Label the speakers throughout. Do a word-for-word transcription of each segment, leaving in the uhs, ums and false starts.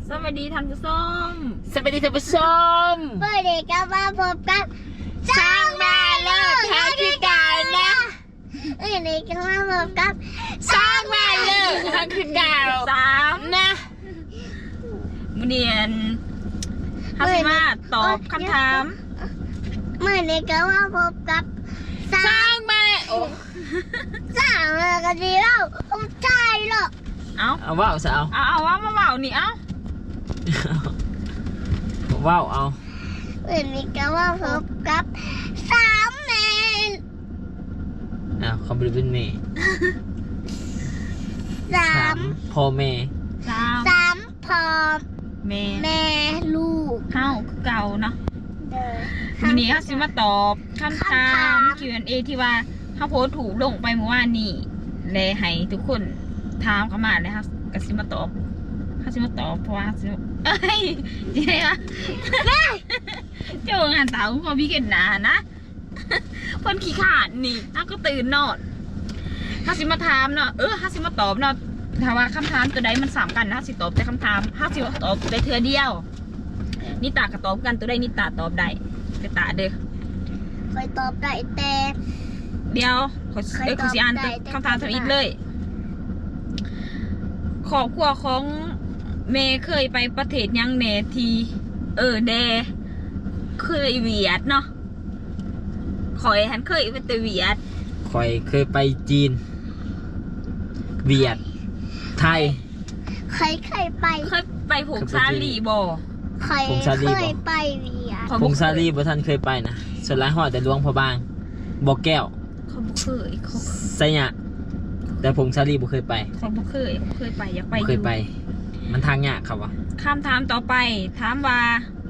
Speaker 1: สวัสดีท่านผู้ชม
Speaker 2: สวัสดีท่านผู้ชม
Speaker 3: เมื่อเด็กก็มาพบกับ
Speaker 2: สร้างมาเลิกทางคือการนะ
Speaker 3: เมื่อเด็กก็มาพบกับ
Speaker 2: สร้างมาเลิกทางคือการ
Speaker 1: สาม
Speaker 2: นะ
Speaker 1: มือเนียนฮัสมาตอบคำถาม
Speaker 3: เมื่อเด็กก็มาพบกับ
Speaker 2: สร้างมาโอ้
Speaker 3: สร้างมากันดีแล้วผมใจหรอก
Speaker 1: เอา
Speaker 2: เอาว่าวสาว
Speaker 1: เอาเอาว่ามาเบานี่เอา
Speaker 2: ว่าวเอา
Speaker 3: เมื่อเด็กก็มาพบกับสามแมน
Speaker 2: อ้าวคอมพิวเตอร์เมย์
Speaker 3: สา
Speaker 2: สาม มพ่อเมย์
Speaker 1: สาม
Speaker 3: สามพอ
Speaker 1: เม
Speaker 3: แม่ลูก
Speaker 1: เฮ้าคือเก่าเนาะ
Speaker 3: เดิน
Speaker 1: วันนี้ฮัสมาตอบคำถาม
Speaker 3: คำถาม
Speaker 1: คิว แอนด์ เอ ที่ว่าเขาโพสต์ถูกลงไปเมื่อวานนี้เลยให้ทุกคนถามเข้ามาเลยครับกสิมาตอบฮัสมาตอบเพราะว่าฮัสมาเอ้ยยังไงวะเจ้างานสาวพอพี่เห็นหนานะคนขี้ขาดนี่อ้าก็ตื่นนอนฮัสมาถามเนาะเออฮัสมาตอบเนาะถ้าว่าคำถามตัวใดมันสามกันนะฮัสสิตอบแต่คำถามฮัสสิตอบได้เทือเดียวนิตาก็ตอบกันตัวใดนิตาตอบได้ไปตาเด้อ
Speaker 3: คอยตอบได้แต่
Speaker 1: เดี๋ยวขอ
Speaker 3: ใคร
Speaker 1: เอ้ยขอสิอ่าน
Speaker 3: ตอบได้
Speaker 1: คำถามทวิตเลยครอบครัวของเมย์เคยไปประเทศยังเนที เออเดเคยเวียดเนาะขอยฉันเคยไปแต่เวียด
Speaker 2: คอยเคยไปจีนเวียดไทย
Speaker 3: ใครเคยไป
Speaker 1: เคยไปผูกซาลีบ่
Speaker 3: ใคร
Speaker 2: ผมซาลี
Speaker 3: เค
Speaker 2: บอก
Speaker 3: ยไปเวียด
Speaker 1: เขา
Speaker 2: ผ
Speaker 1: บ่
Speaker 2: ง
Speaker 1: เค
Speaker 2: ซาย ลีบ่ท่านเคยไปนะส่วนหลายหอดแต่หลวงพระบางบ่อแก้ว
Speaker 1: เขาบ่เคยเขา
Speaker 2: ไสยะแต่ผงซาลีบ่เคยไป
Speaker 1: เขาบ่เคยเขาเคยไปอยากไป
Speaker 2: บ่
Speaker 1: อ
Speaker 2: เคย
Speaker 1: ยู่
Speaker 2: ไป มันทางยากครับวะ
Speaker 1: คำถามต่อไปถามว่า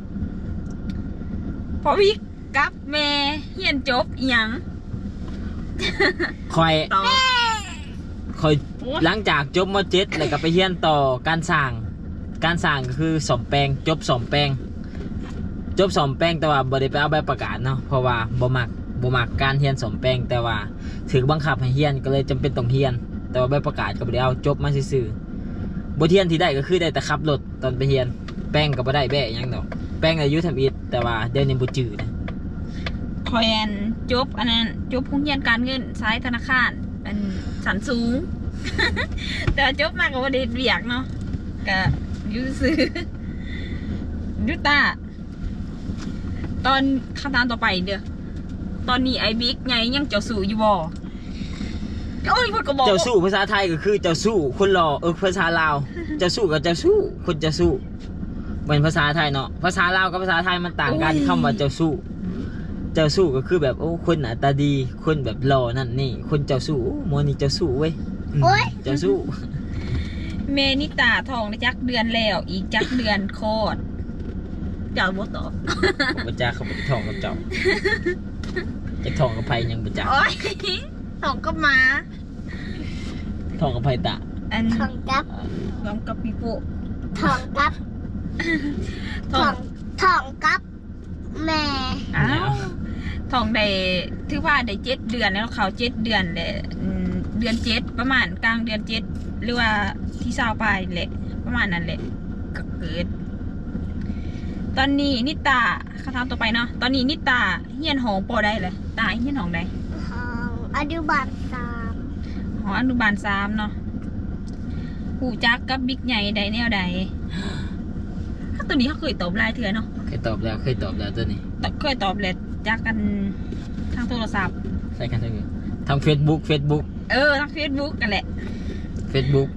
Speaker 1: พอวิกกับเมย์เฮียนจบอิหยัง
Speaker 2: คอย
Speaker 1: ตอบ
Speaker 2: คอยหลังจากจบมเจ็ดแล้วก็ไปเรียนต่อการสร้าง การสร้างก็คือสมแปลงจบสมแปลง จบสมแปลงแต่ว่าบ่ได้ไปเอาใบประกาศเนาะเพราะว่าบ่มักบ่มักการเรียนสมแปลงแต่ว่าถือบังคับให้เรียนก็เลยจำเป็นต้องเรียน แต่ว่าใบประกาศก็บ่ได้เอาจบมาซื่อๆบ่เรียนที่ได้ก็คือได้แต่ขับรถตอนไปเรียนแป้งก็บ่ได้แบะหยังดอกแป้งอายุทำอิฐแต่ว่าเดี๋ยวนี้บ่จื้อนะ
Speaker 1: คอยอันจบอันนั้นจบโรงเรียนการเงินสายธนาคารอันสันสูง แต่ว่าจบมาก็บ่ได้เวียกเนาะก็อยู่ซื้อ ยุตาตอนคำถามต่อไปเด้อตอนนี้ไอ้บิ๊กไงยังเจ้าสู่อยู่บ่โอ้ยเพิ่นก็บอก
Speaker 2: เจ้าสู้ภาษาไทยก็คือเจ้าสู้คนรอเออภาษาลาวเจ้าสู้กับเจ้าสู้คนเจ้าสู้เป็นภาษาไทยเนาะภาษาลาวกับภาษาไทยมันต่างกันคำว่าเจ้าสู้เจ้าสู้ก็คือแบบโอ้คนหน้าตาดีคนแบบหล่อนั่นนี่คนเจ้าสู้โอ้โมนี่เจ้าสู้เว้ยอืม
Speaker 3: โอ๊ย
Speaker 2: เจ้าสู้
Speaker 1: เมนิตาทองได้จักเดือนแล้วอีกจักเดือนโคตรเจ้าบ่ตอบ
Speaker 2: บัจจาเขาบัทองกับเจ้าจะทองกับไพยังบัจจา
Speaker 1: โอ้ยทองก็มา
Speaker 2: ทองกับไพตะ
Speaker 1: อัน
Speaker 3: ทองกับ
Speaker 1: รวมกับปีโป้
Speaker 3: ทองกับ
Speaker 1: ท
Speaker 3: ท
Speaker 1: อ
Speaker 3: อง งทองกับแม่
Speaker 1: อ้าวทองได้ถือว่าได้เจ็ดเดือนแล้วเขาเจ็ดเดือนเลยเดือนเจ็ดประมาณกลางเดือนเจ็ดหรือว่าที่เศร้าไปแหละประมาณนั้นแหละก็เกิด ตอนนี้นิตาคำถามต่อไปเนาะตอนนี้นิตาเฮียนหองปอได้เลยตาเฮียนหองใด
Speaker 3: ทองอนุบาลสาม
Speaker 1: หออนุบาลสามเนาะหูจักกับบิ๊กใหญ่ใดแนวใดถ้าตัวนี้เขาเคยตอบไลน์เถื่อเนาะ
Speaker 2: เคยตอบแล้วเคยตอบแล้วตัวนี้
Speaker 1: แต่เคยตอบเลยจากกันทางโทรศัพท์
Speaker 2: ใช่กันทั้งนี้ทางเฟซบุ๊กเฟซบุ๊ก
Speaker 1: เออทางเฟซบุ๊กกันแหละ
Speaker 2: เฟซบุ๊ก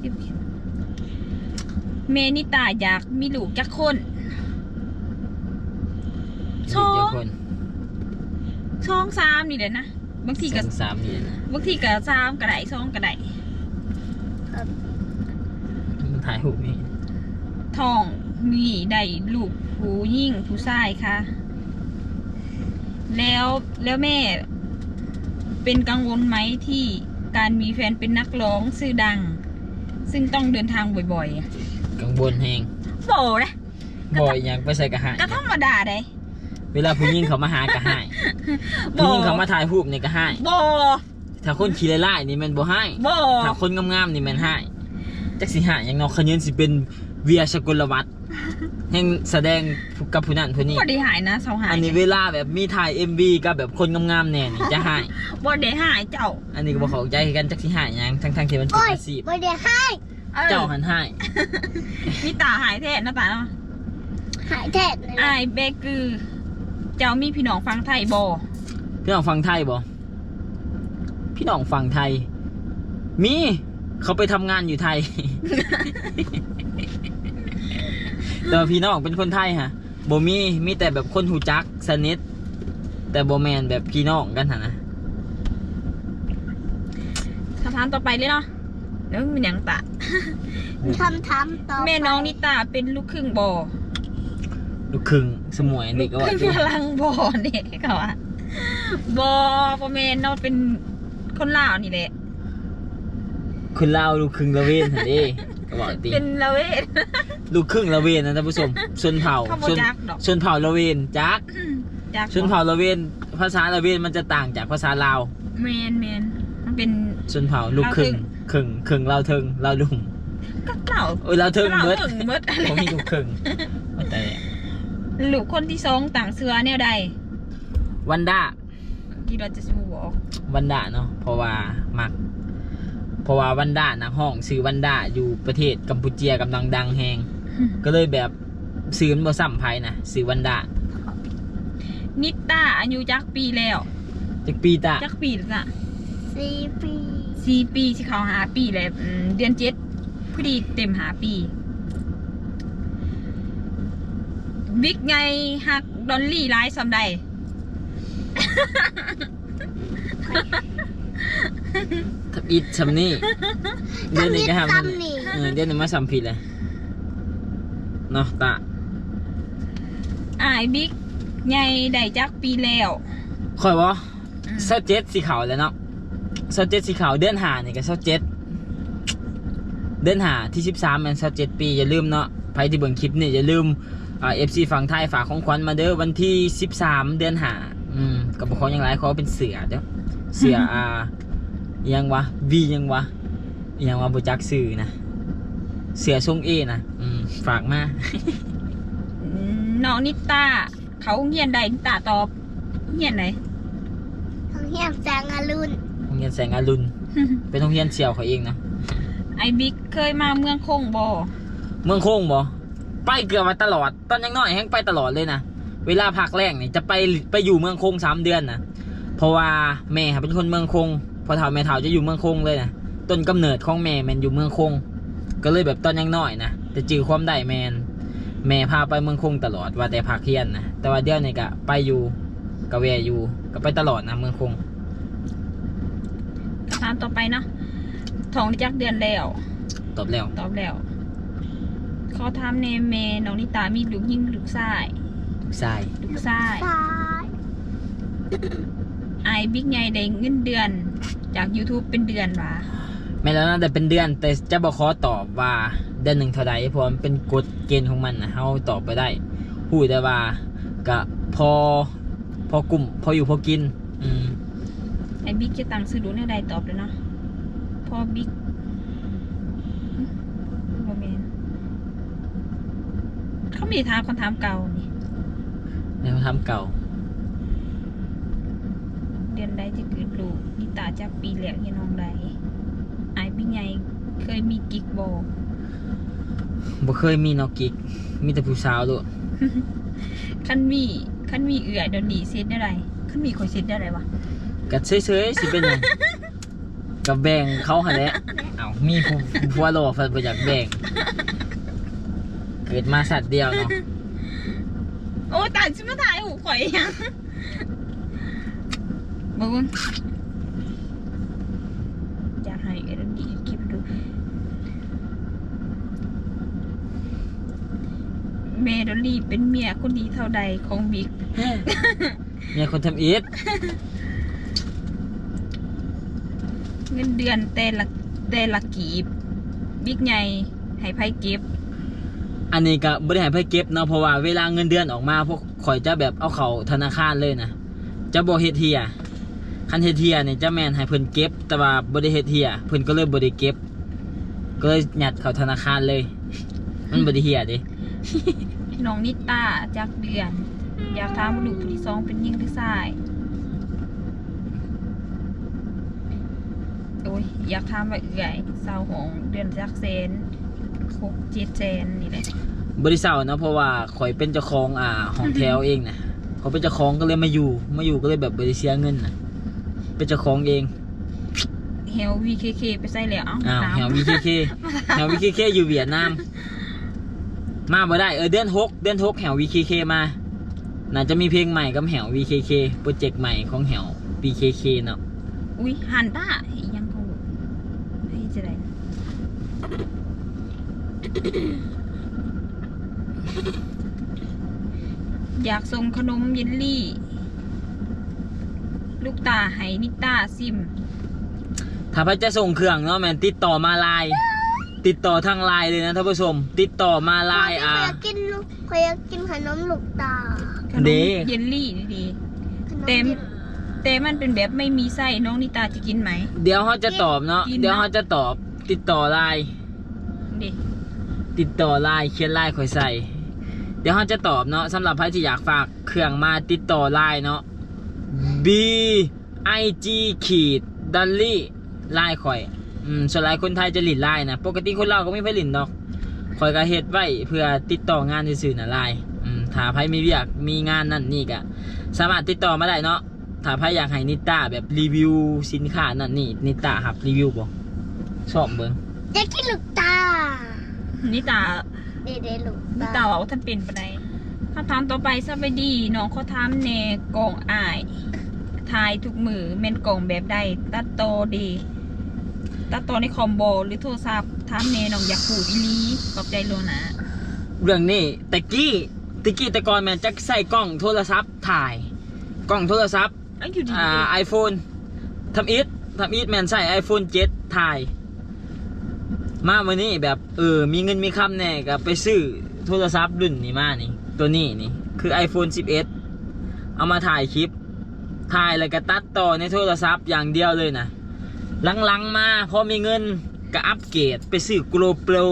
Speaker 1: เมนิตาอยากมีลูกจักคน
Speaker 2: เจ้าคน
Speaker 1: ช่องสามนี่เลยนะบางที
Speaker 2: ส
Speaker 1: ก็
Speaker 2: องสามนี่นะ
Speaker 1: บางทีก็สามก็ได้ช่องก็ได้
Speaker 2: มันถ่ายหูปนี่
Speaker 1: ท้องมีได้ลูกผู้ยิ่งผู้ชายค่ะ แล้วแล้วแม่ เป็นกังวลไหมที่การมีแฟนเป็นนักร้องชื่อดัง ซึ่งต้องเดินทางบ่อยๆอะ
Speaker 2: กังวลแหง
Speaker 1: โบ่นะ
Speaker 2: บ่อยยังไปใส่กระหาย
Speaker 1: ก็ธรรมดาได้
Speaker 2: เวลาผู้หญิงเขามาหากระหายผู้หญิงเขามาถ่ายรูปนี่กระหาย
Speaker 1: บ่
Speaker 2: ถ้าคนขี้ไล่ๆนี่มันบ่ให้
Speaker 1: บ่
Speaker 2: ถ้าคนงามๆนี่มันให้จักสิหาอย่างเนาะขยืนสิเป็นเวียสกุลวัฒน์แห่งแสดงกับผู้นั้นผู้นี้
Speaker 1: บ่ได้หายนะเสาหาย
Speaker 2: อันนี้เวลาแบบมีถ่าย เอ็ม วี กับแบบคนงามๆแน่นี่จะหาย
Speaker 1: บ่ได้หายเจ้า
Speaker 2: อันนี้ก็บ่เข้าใจกันจักสิหายหยังทั้งๆที่มันเป็น
Speaker 3: โอ้ย
Speaker 2: อาชีพ
Speaker 3: ไม่ได้ให้
Speaker 1: ออ
Speaker 2: เจ้าหันหาย
Speaker 1: มีตาหายแท้หน้าตาเนาะ
Speaker 3: หายแท้เลย
Speaker 1: อายเบกือ เจ้ามีพี่น้องฟังไทยบ่
Speaker 2: พี่น้องฟังไทยบ่พี่น้องฟังไทย มีเขาไปทำงานอยู่ไทย แต่ว่าพี่น้องเป็นคนไทยฮะบ่มีมีแต่แบบคนหูจักสนิทแต่บ่แมนแบบพี่น้องกันหั่นนะ
Speaker 1: คำถามต่อไปเลยเนาะแล้วมันหยังตะ
Speaker 3: ทำทำต่อไป
Speaker 1: แม่น้องนิตาเป็นลูกครึ่งบ่
Speaker 2: ลูกครึ่งสมวย
Speaker 1: ลู
Speaker 2: นี่
Speaker 1: ก
Speaker 2: ก็
Speaker 1: ค
Speaker 2: ว่า
Speaker 1: รึ่ง
Speaker 2: อยู่
Speaker 1: พลังบ่เนี่ยเขาว่าบ่บ่แม่นเนาะเป็นคนลาวนี่แหละ
Speaker 2: คนลาวลูกครึ่งละเวนหั่นเด้ก็บอกติ
Speaker 1: เป็นละเวท
Speaker 2: ลูกครึ่งละเวนนะท่านผู้ชมชนเผ่า
Speaker 1: เขาบ่
Speaker 2: ชน
Speaker 1: จักดอก
Speaker 2: ชนเผ่าละเวนจัก
Speaker 1: จาก
Speaker 2: ชนเผ่าละเวนภาษาละเวนมันจะต่างจากภาษาลาว
Speaker 1: แมนแมนมันเป็น
Speaker 2: ชนเผ่าลูกครึ่งครึ่งครึ่งลาวเทิงลาวลุง
Speaker 1: ก็เก่า
Speaker 2: โอ้ยลาวเทิง
Speaker 1: เรา
Speaker 2: เบิด
Speaker 1: ถึงเบิดอะไร
Speaker 2: ผมมีลูกครึ่งว่าแต่
Speaker 1: ลูกคนที่สองต่างเสือแนวใด
Speaker 2: วันด้า
Speaker 1: ที่เราจะสู้บอก
Speaker 2: วันด้าเนาะเพราะว่ามัก เพราะว่าวันด้านักห้องซื้อวันด้าอยู่ประเทศกัมพูเชียกำลังดังแฮงก็เลยแบบซื้อมันบ่ซ้ำไผนะซื้อวันด้า
Speaker 1: นิตาอายุจักปีแล้ว
Speaker 2: จักปีตา
Speaker 1: จักปีแล้วจ้ะ
Speaker 3: สี่ปี
Speaker 1: สี่ปีที่เขาหาปีแล้วอืมเดือนเจ็ดพอดีเต็มหาปีบิ๊กไงฮักดอลลี่ไลฟ์ซำใด
Speaker 2: ทับอิดซำนี่เดือนนี้ก็ทำ
Speaker 3: ซ้ำนี่
Speaker 2: เออเดือนนี้มาซ้ำผิดเลยเนาะตา
Speaker 1: อายบิ๊กไงได้จักปีแล้ว
Speaker 2: ค่อยบ่
Speaker 1: อืม
Speaker 2: เซาเจ็ดสีขาวแล้วเนาะเซาเจ็ดสีขาวเดือนหานี่ก็เซาเจ็ดเดือนหาที่สิบสามมันเซาเจ็ดปีอย่าลืมเนาะใครที่เบิ่งคลิปนี่อย่าลืมอ่า เอฟ ซี ฝั่งไทยฝากของขวัญมาเด้อวันที่สิบสามเดือนหาอืมกับบ่ขออย่างไรขอเป็นเสือเด้อเสืออ่าอิหยังวะวียังวะอิหยังวะบ่จักชื่อนะเสือทรงเอนะอืมฝากมา
Speaker 1: อืมน้องนิตาเขาเงียนใดนิตาตอบเงียนไหน
Speaker 3: ทั้งเฮียมแสงอรุณ
Speaker 2: โรงเรียนแสงอรุณเป็นโรงเรียนเสี่ยวเขาเองเนาะ
Speaker 1: ไอบิ๊กเคยมาเมืองคงบ่
Speaker 2: เมืองโค้งบ่ไปเกือบมาตลอดตอนยังน้อยแฮงไปตลอดเลยนะเวลาพักแรกนี่จะไปไปอยู่เมืองโค้งสามเดือนนะเพราะว่าแม่เป็นคนเมืองโค้งพอเฒ่าแม่เฒ่าจะอยู่เมืองโค้งเลยนะต้นกำเนิดของแม่แมนอยู่เมืองโค้งก็เลยแบบตอนยังน้อยนะแต่จื้อความได้แมนแม่พาไปเมืองโค้งตลอดว่าแต่พักเรียนนะแต่ว่าเดี๋ยวนี้ก็ไปอยู่ก็แวะอยู่ก็ไปตลอดนะเมืองโค้ง
Speaker 1: ถามต่อไปเนาะท้องได้จักเดือนแล้ว
Speaker 2: ตอบแล้ว
Speaker 1: ตอบแล้วเขาถามเนเมน้องนิตามีลูกยิ่งลูกชาย
Speaker 2: ใช่
Speaker 1: ลูกชาย
Speaker 3: ซ้าย
Speaker 1: ไอบิ๊กไงได้เงินเดือน จาก YouTube เป็นเดือนวะ
Speaker 2: แม่แล้วนะแต่เป็นเดือนแต่จะบอกขอตอบว่าเดือนหนึ่งเท่าใดเพราะมันเป็นกฎเกณฑ์ของมันนะเขาตอบไปได้พูดได้ว่าก็พอพอกลุ่มพออยู่พอกินอืม
Speaker 1: ไอบิ๊กจะตังซื้อดูในใดตอบเลยเนาะพอบิ๊กโมเมนเขามีถามคำถามเก่านี่
Speaker 2: ในคำถามเก่า
Speaker 1: เดือนใดจะเกิดลูกนิตาจากปีแล้วเฮียน้องใดไอบิ๊กไงเคยมีกิ๊กโบ
Speaker 2: บ่เคยมีนอกกิกมีแต่ผู้สาวด้วย
Speaker 1: ขั้นมีขั้นมีเอื่อยเดยวนีเซตได้ไรขั้นมีคอยเซตได้ไรวะ
Speaker 2: กัดเฉยๆสิเป็นหยังกับแบ่งเขาหาแหล้วเอ้ามีผู้ผัวโลฟันบ่อยากแบ่งเกิดมาสัตว์เดียวเนาะ
Speaker 1: โอ้ยตายชิมาถ่ายหูข่อยยังบึ้งอยากให้เอเดนดีคลิปดูเมโดลีเป็นเมียคนดีเท่าใดของบิ๊ก
Speaker 2: เมียคนทำอีท
Speaker 1: เงินเดือนแต่ละแต่ละกีบบิ๊กใหญ่ให้ไพ่เก็บ
Speaker 2: อันนี้ก็บ่ได้ให้เพิ่นเก็บเนาะเพราะว่าเวลาเงินเดือนออกมาพวกข่อยจะแบบเอาเข้าธนาคารเลยนะจะบ่เฮ็ดเฮียคันเฮ็ดเฮียนี่จะแม่นให้เพิ่นเก็บแต่ว่าบ่ได้เฮ็ดเฮียเพิ่นก็เลยบ่ได้เก็บก็เลยหยัดเข้าธนาคารเลย มันบ่ได้เหี้ยดิ
Speaker 1: น้องนิต้าจากเดือน อยากถามว่าลูกผู้ที่สองเป็นยิ่งหรือชายโอ้ยอยากถามว่าเอื่อยสาวของเดือนจักเซนหกเจ็ดเซนนี่แหละ
Speaker 2: บริษัทเนาะเพราะว่าข่อยเป็นเจ้าของอ่าของแถวเองนะเขาเป็นเจ้าของก็เลยมาอยู่มาอยู่ก็เลยแบบบริเสียเงินนะเป็นเจ้าของเอง
Speaker 1: เฮล วี เค เค ไปใส่แล้ว
Speaker 2: อ้าว
Speaker 1: ถาม
Speaker 2: แถววีเคเคแถววีเคเคอยู่เวียดนามมาบ่ได้เออเดือนหกเดือนหกแถววีเคเคมาน่าจะมีเพลงใหม่กับแถววีเคเคโปรเจกต์ใหม่ของแถววีเคเคเนาะ
Speaker 1: อุ้ยฮันต้าอีหยังเขาให้จะได้อยากส่งขนมเยลลี่ ลูกตาให้นิต้าซิม
Speaker 2: ถ้าพระจะส่งเครื่องเนาะแมนติดต่อมาไลน์ติดต่อทางไลน์เลยนะท่านผู้ชมติดต่อมาไลน์อ่า
Speaker 3: ขอยากกินลูกขอยอยากกินขนมลูกตา
Speaker 1: ขนม
Speaker 2: เด้
Speaker 1: เยลลี่ดี
Speaker 3: ขนม
Speaker 1: เต็ม
Speaker 3: ย็น
Speaker 1: ๆแต่มันเป็นแบบไม่มีไส้น้องนิตาจะกินไหม
Speaker 2: เดี๋ยวเขาจะตอบเนาะ
Speaker 1: กินนะ
Speaker 2: เดี๋ยวเขาจะตอบติดต่อไลน์
Speaker 1: ดิ
Speaker 2: ติดต่อไลน์เขียนไลน์ข่อยใส่ เดี๋ยวเขาจะตอบเนาะสำหรับใครที่อยากฝากเครื่องมาติดต่อไลน์เนาะ B I G ขีดดัลลี่ไลน์ข่อยอืมส่วนหลายคนไทยจะหลินไลน์นะปกติคนลาวก็ไม่ค่อยหลินดอกข่อยก็เฮ็ดไว้เพื่อติดต่องานซื่อๆน่ะไลน์อืมถ้าใครมีเวียกมีงานนั่นนี่ก็สามารถติดต่อมาได้เนาะถ้าใครอยากให้นิต้าแบบรีวิวสินค้านั่นนี่นิต้าครับรีวิวบ่ชอบเบิ่ง
Speaker 3: อยากกินลูกตา
Speaker 1: นิตา
Speaker 3: เด็ดๆลูก
Speaker 1: นิ
Speaker 3: ตา
Speaker 1: ตาบอกว่าท่านเป็นปะไดคำถามต่อไปสบายดีน้องเขาถามแน่กล่องอายทายทุกมือเมนกล่องแบบใดตัดโตอดี ตัดโตอในคอมโบหรือโทรศัพท์ถามแน่น้องอยากพูดอีหลีขอบใจโลนะ
Speaker 2: เรื่องนี้แต่กี้ตะกี้แต่ก่อนแม่นจะใส่กล้องโทรศัพท์ถ่ายกล้องโทรศัพท์
Speaker 1: เอ้ยอยู่ดี
Speaker 2: อ่าไอโฟนทำอิททำอิทแมนใส่ iPhone เจ็ดถ่าย มาวันนี้แบบเออมีเงินมีคำแน่ก็ไปซื้อโทรศัพท์รุ่นนี้มานี่ ตัวนี้นี่คือ iPhone สิบเอ็ด เอามาถ่ายคลิป ถ่ายแล้วก็ตัดต่อในโทรศัพท์อย่างเดียวเลยนะหลังๆมาพอมีเงินก็อัปเกรดไปซื้อ GoPro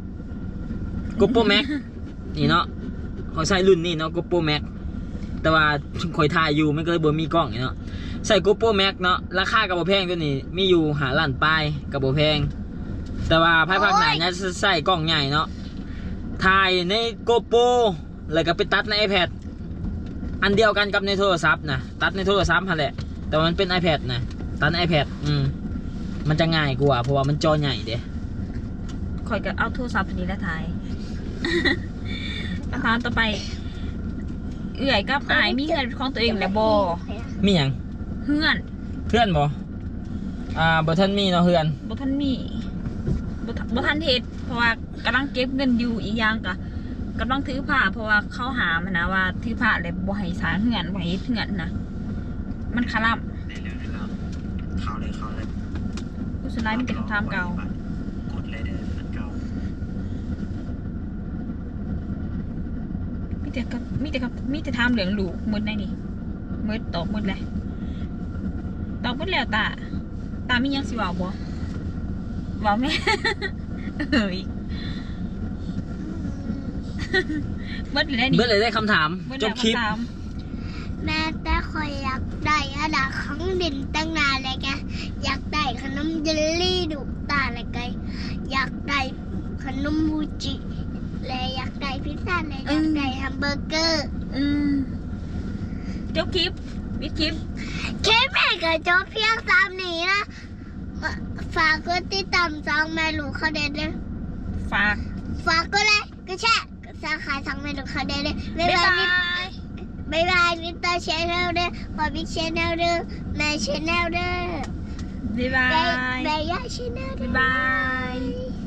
Speaker 2: GoPro Max นี่เนาะเขาใช้รุ่นนี้เนาะ GoPro Max แต่ว่าคอยถ่ายอยู่มันก็เลยบ่มีกล้องเนาะใส่ GoPro Max เนาะราคากับบ่แพงตัวนี้มีอยู่หาล้านปลายกับบ่แพงแต่ว่าภายภาคหน้าเนี่ยใส่กล้องใหญ่เนาะถ่ายใน GoPro แล้วก็ไปตัดใน iPad อันเดียวกันกับในโทรศัพท์นะตัดในโทรศัพท์หั่นแหละแต่ว่ามันเป็น iPad นะตัดใน iPad อืมมันจะง่ายกว่าเพราะว่ามันจอใหญ่เด้
Speaker 1: คอยก็เอาโทรศัพท์ตัวนี้แล้วถ่าย คำถามต่อไป เอื่อยกับอายมีเงินเป็นของตัวเองแล้วบอ
Speaker 2: มีหยัง
Speaker 1: เฮือน
Speaker 2: เพื่อนบ่อ่าบ่ทันมีเนาะเพื่อน
Speaker 1: บ่ทันมีบ่ทันบ่ทันเฮ็ดเพราะว่ากำลังเก็บเงินอยู่อีกอย่างก็กำลังถือผ้าเพราะว่าเขาหามันนะว่าถือผ้าแล้วบ่ให้สร้างเฮือนบ่ให้เฮ็ดเฮือนนะมันคาร่ำ
Speaker 4: ในเรื่องในเราเขาเลยเขาเลย
Speaker 1: ผู้สุดท้ายมีแต่คำถามเก่าก
Speaker 4: ดเลยเด้อมันเก่า
Speaker 1: มีแต่กับมีแต่กับมีแต่ถามเหลืองลูกหมดได้นี่หมดตอบหมดเลยตอบหมดแล้วตาตามีหยังสิเว้าบ่เว้าแม่ เอ้ยหมดแล้วนี่
Speaker 2: เบิดเลยได้คำถาม
Speaker 1: หมด
Speaker 2: จ
Speaker 1: แล้ว
Speaker 2: บคลิป
Speaker 1: คำถาม
Speaker 3: แม่แต่คอยอยากได้อันดับของดินตั้งนานเลยแกอยากได้ขนมเยลลี่ลูกตาเลยแกอยากได้ขนมมูจิและอยากได้พิซซ่าและอยากได้แฮมเบอร์เกอร์
Speaker 1: อืมจบคลิปปิดคลิป
Speaker 3: แค่แม่กับโจ๊กเพียงสามนี้นะฝากกดติดตามซองแม่ลูกเขาเด็ดเลย
Speaker 1: ฝาก
Speaker 3: ฝากก็เลยก็แช่ก็สาขาซองแม่ลูกเขาเด็ดเลยบ๊าย
Speaker 1: บ๊าย
Speaker 3: บา
Speaker 1: บาย ย
Speaker 3: บ๊ายบายมิสเตอร์ชแนลเด้อพอบิ๊กชแนลเด้อแม่ชแนลเด้อ
Speaker 1: บ๊ายบา
Speaker 3: แม่
Speaker 1: ย
Speaker 3: แม่ย่าชแนลเด้
Speaker 1: บ๊าย
Speaker 3: อบ
Speaker 1: าย